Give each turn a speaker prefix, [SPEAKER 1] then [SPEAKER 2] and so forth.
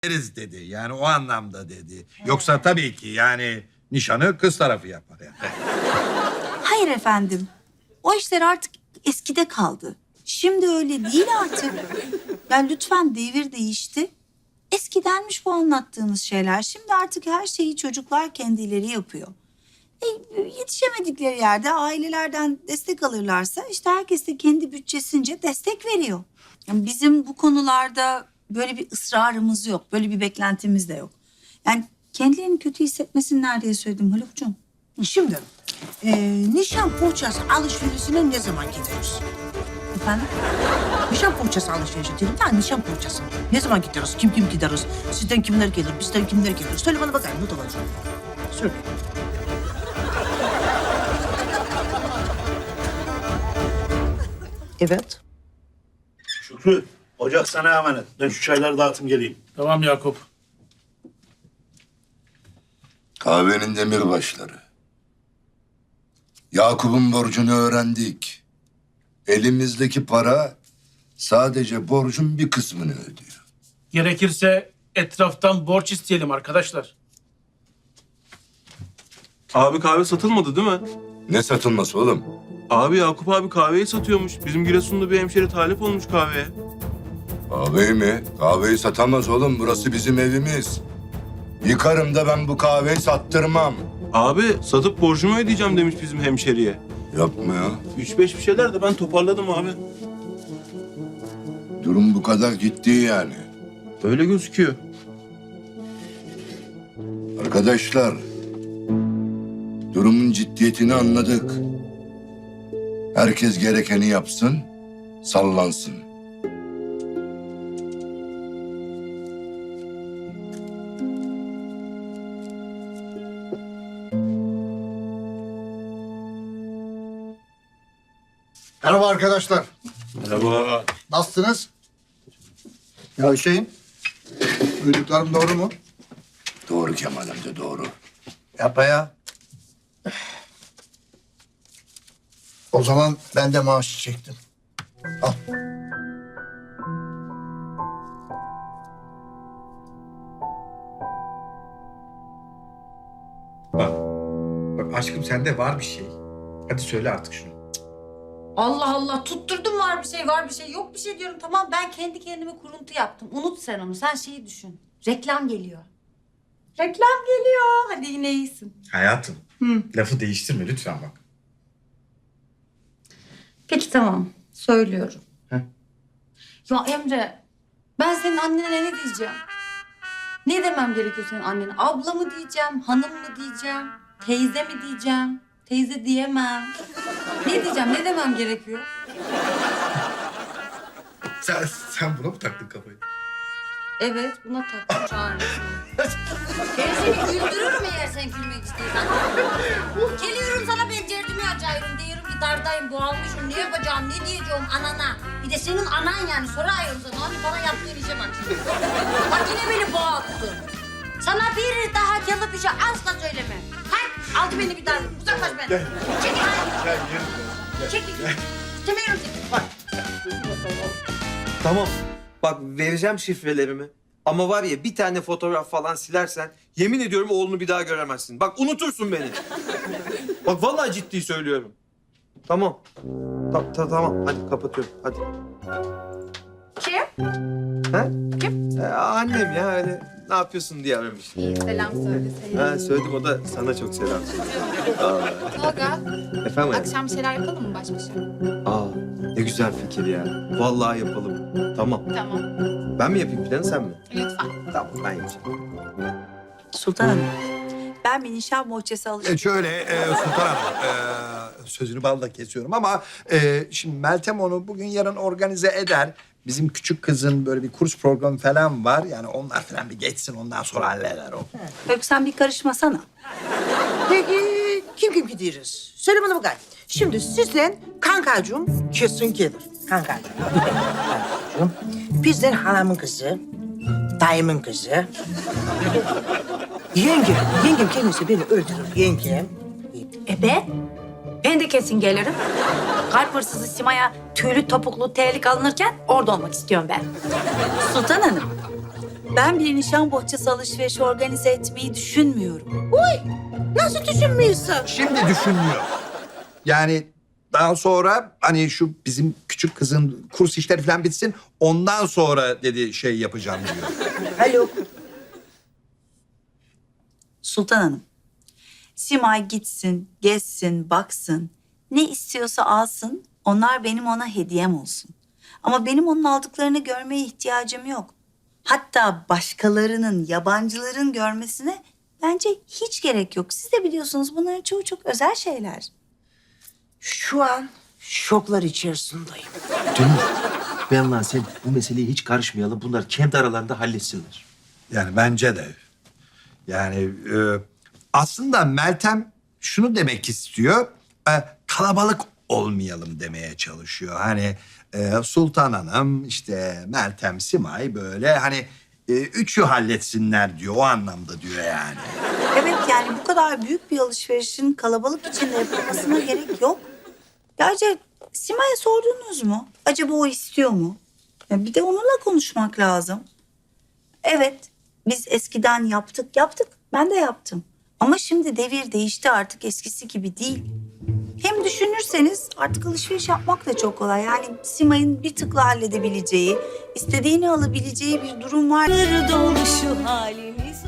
[SPEAKER 1] ederiz dedi. Yani o anlamda dedi. Yoksa tabii ki yani nişanı kız tarafı yapar yani.
[SPEAKER 2] Hayır efendim. O işler artık eskide kaldı. Şimdi öyle değil artık. Yani lütfen devir değişti. Eskidenmiş bu anlattığınız şeyler. Şimdi artık her şeyi çocuklar kendileri yapıyor. Yetişemedikleri yerde ailelerden destek alırlarsa işte herkes de kendi bütçesince destek veriyor. Yani bizim bu konularda böyle bir ısrarımız yok. Böyle bir beklentimiz de yok. Yani kendilerini kötü hissetmesinler diye söyledim Haluk'cum.
[SPEAKER 3] Şimdi nişan poğaçası alışverişine ne zaman gidiyoruz?
[SPEAKER 2] Efendim?
[SPEAKER 3] Nişan poğaçası alışverişi dedim ya, nişan poğaçası. Ne zaman gidiyoruz? Kim gideriz? Sizden kimler gelir? Bizden kimler gelir? Söyle bana bakayım, not alacağım. Söyle. Evet.
[SPEAKER 4] Şükrü, ocak sana emanet. Ben şu çayları dağıtım geleyim.
[SPEAKER 5] Tamam Yakup.
[SPEAKER 6] Kahvenin demirbaşları. Yakup'un borcunu öğrendik. Elimizdeki para sadece borcun bir kısmını ödüyor.
[SPEAKER 5] Gerekirse etraftan borç isteyelim arkadaşlar.
[SPEAKER 7] Abi kahve satılmadı değil mi?
[SPEAKER 6] Ne satılması oğlum?
[SPEAKER 7] Abi Yakup abi kahveyi satıyormuş. Bizim Giresun'da bir hemşeri talip olmuş kahveye.
[SPEAKER 6] Kahveyi mi? Kahveyi satamaz oğlum. Burası bizim evimiz. Yıkarım da ben bu kahveyi sattırmam.
[SPEAKER 7] Abi satıp borcumu ödeyeceğim demiş bizim hemşeriye.
[SPEAKER 6] Yapma ya.
[SPEAKER 7] 3-5 bir şeyler de ben toparladım abi.
[SPEAKER 6] Durum bu kadar ciddi yani.
[SPEAKER 7] Öyle gözüküyor.
[SPEAKER 6] Arkadaşlar, durumun ciddiyetini anladık. Herkes gerekeni yapsın, sallansın.
[SPEAKER 8] Merhaba arkadaşlar.
[SPEAKER 7] Merhaba.
[SPEAKER 8] Nasılsınız? Ya Hüseyin, duyduklarım doğru mu?
[SPEAKER 6] Doğru Kemal amca, doğru.
[SPEAKER 8] Yapma ya. O zaman ben de maaşı çektim. Al.
[SPEAKER 9] Bak aşkım sende var bir şey. Hadi söyle artık şunu.
[SPEAKER 10] Allah Allah, tutturdum var bir şey, var bir şey, yok bir şey diyorum. Tamam, ben kendi kendime kuruntu yaptım. Unut sen onu, sen şeyi düşün. Reklam geliyor. Reklam geliyor. Hadi yine iyisin.
[SPEAKER 9] Hayatım. Lafı değiştirme lütfen bak.
[SPEAKER 10] Peki tamam, söylüyorum.
[SPEAKER 9] Heh.
[SPEAKER 10] Ya Emre, ben senin annene ne diyeceğim? Ne demem gerekiyor senin annene? Abla mı diyeceğim, hanım mı diyeceğim, teyze mi diyeceğim? Teyze diyemem. Ne diyeceğim, ne demem gerekiyor?
[SPEAKER 9] Sen buna mı taktın kafayı?
[SPEAKER 10] Evet, buna taktım çağırdım. Ben seni güldürürüm eğer sen gülmek istiyorsan. Geliyorum sana, ben derdimi açıyorum. Diyorum ki dardayım, boğulmuşum. Ne yapacağım, ne diyeceğim anana? Bir de senin anan yani, soruyorum sana. Hani bana yaptığın işe bak şimdi. Bak yine beni boğalttın. Sana bir daha kalıp bir şey asla söyleme. Hadi, aldı beni bir daha. Uzaklaş benden. Çekil. Çekil. İstemiyorum seni.
[SPEAKER 11] Tamam. Bak vereceğim şifrelerimi. Ama var ya bir tane fotoğraf falan silersen yemin ediyorum oğlunu bir daha göremezsin. Bak unutursun beni. Bak vallahi ciddi söylüyorum. Tamam. Tamam. Hadi kapatıyorum. Hadi.
[SPEAKER 10] Kim?
[SPEAKER 11] Ha? Kim? Annem ya öyle ne yapıyorsun diye aramış.
[SPEAKER 10] Selam söyle.
[SPEAKER 11] Ha söyledim, o da sana çok selam söyledi.
[SPEAKER 10] Tolga,
[SPEAKER 11] Efendim?
[SPEAKER 10] akşam bir şeyler yapalım mı baş başa?
[SPEAKER 11] Aa ne güzel fikir ya. Vallahi yapalım. Tamam.
[SPEAKER 10] Tamam.
[SPEAKER 11] Ben mi yapayım planı sen mi?
[SPEAKER 10] Lütfen.
[SPEAKER 11] Tamam ben yapacağım.
[SPEAKER 2] Sultan Hanım, ben bir nişan bohçası alacağım.
[SPEAKER 1] Şöyle Sultan Hanım, sözünü balla kesiyorum ama şimdi Meltem onu bugün yarın organize eder. Bizim küçük kızın böyle bir kurs programı falan var. Yani onlar falan bir geçsin, ondan sonra halleder o.
[SPEAKER 2] Haluk sen bir karışmasana.
[SPEAKER 3] Peki kim gidiyoruz? Söyle bana bakayım. Şimdi sizden kankacığım kesin gelir. Kankacığım. Kankacığım. Bizden halamın kızı, dayımın kızı. Yengem kendisi beni öldürür. Yengem.
[SPEAKER 2] Ben de kesin gelirim. Kalp hırsızı Sima'ya tüylü topuklu terlik alınırken orada olmak istiyorum ben. Sultan Hanım, Ben bir nişan bohçası alışverişi organize etmeyi düşünmüyorum.
[SPEAKER 3] Nasıl düşünmüyorsun?
[SPEAKER 1] Şimdi düşünmüyor. Yani daha sonra hani şu bizim küçük kızın kurs işleri falan bitsin. Ondan sonra dedi şey yapacağım diyor.
[SPEAKER 2] Alo. Sultan Hanım. Simay gitsin, gezsin, baksın. Ne istiyorsa alsın. Onlar benim ona hediyem olsun. Ama benim onun aldıklarını görmeye ihtiyacım yok. Hatta başkalarının, yabancıların görmesine bence hiç gerek yok. Siz de biliyorsunuz bunların çoğu çok özel şeyler.
[SPEAKER 3] Şu an şoklar içerisindeyim.
[SPEAKER 12] Dünür, benle sen bu meseleye hiç karışmayalım. Bunlar kendi aralarında halletsinler.
[SPEAKER 1] Yani bence de. Yani aslında Meltem şunu demek istiyor. Kalabalık olmayalım demeye çalışıyor. Hani Sultan Hanım, işte Meltem, Simay böyle hani üçü halletsinler diyor. O anlamda diyor yani.
[SPEAKER 2] Evet yani bu kadar büyük bir alışverişin kalabalık içinde yapılmasına gerek yok. Ya ayrıca Simay'a sordunuz mu? Acaba o istiyor mu? Ya bir de onunla konuşmak lazım. Evet, biz eskiden yaptık. Ben de yaptım. Ama şimdi devir değişti, artık eskisi gibi değil. Hem düşünürseniz artık alışveriş yapmak da çok kolay. Yani Simay'ın bir tıkla halledebileceği, istediğini alabileceği bir durum var.
[SPEAKER 13] Dolu şu halimiz